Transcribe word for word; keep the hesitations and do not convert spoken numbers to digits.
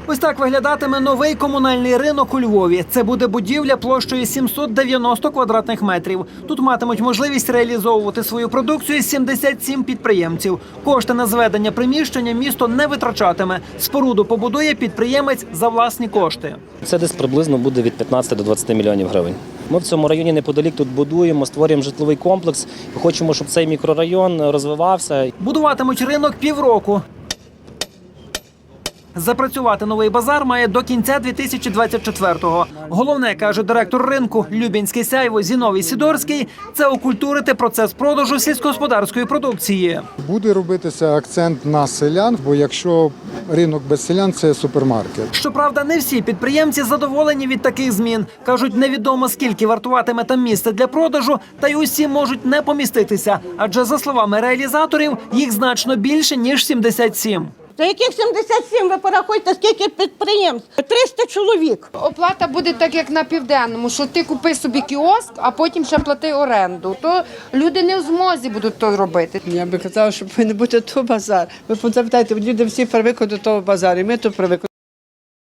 Ось так виглядатиме новий комунальний ринок у Львові. Це буде будівля площею сімсот дев'яносто квадратних метрів. Тут матимуть можливість реалізовувати свою продукцію сімдесят сім підприємців. Кошти на зведення приміщення місто не витрачатиме. Споруду побудує підприємець за власні кошти. Це десь приблизно буде від п'ятнадцяти до двадцяти мільйонів гривень. Ми в цьому районі неподалік тут будуємо, створюємо житловий комплекс. Хочемо, щоб цей мікрорайон розвивався. Будуватимуть ринок півроку. Запрацювати новий базар має до кінця дві тисячі двадцять четвертого. Головне, каже директор ринку Любінське Сяйво Зіновій Сідорський, це окультурити процес продажу сільськогосподарської продукції. Буде робитися акцент на селян, бо якщо ринок без селян – це супермаркет. Щоправда, не всі підприємці задоволені від таких змін. Кажуть, невідомо скільки вартуватиме там місце для продажу, та й усі можуть не поміститися. Адже, за словами реалізаторів, їх значно більше, ніж сімдесят сім. За яких сімдесят сім, ви порахуйте, скільки підприємств? триста чоловік. Оплата буде так, як на Південному, що ти купи собі кіоск, а потім ще плати оренду. То люди не в змозі будуть то робити. Я би казала, що повинен бути то базар. Ви запитайте, люди всі привикли до того базару, і ми то привикли.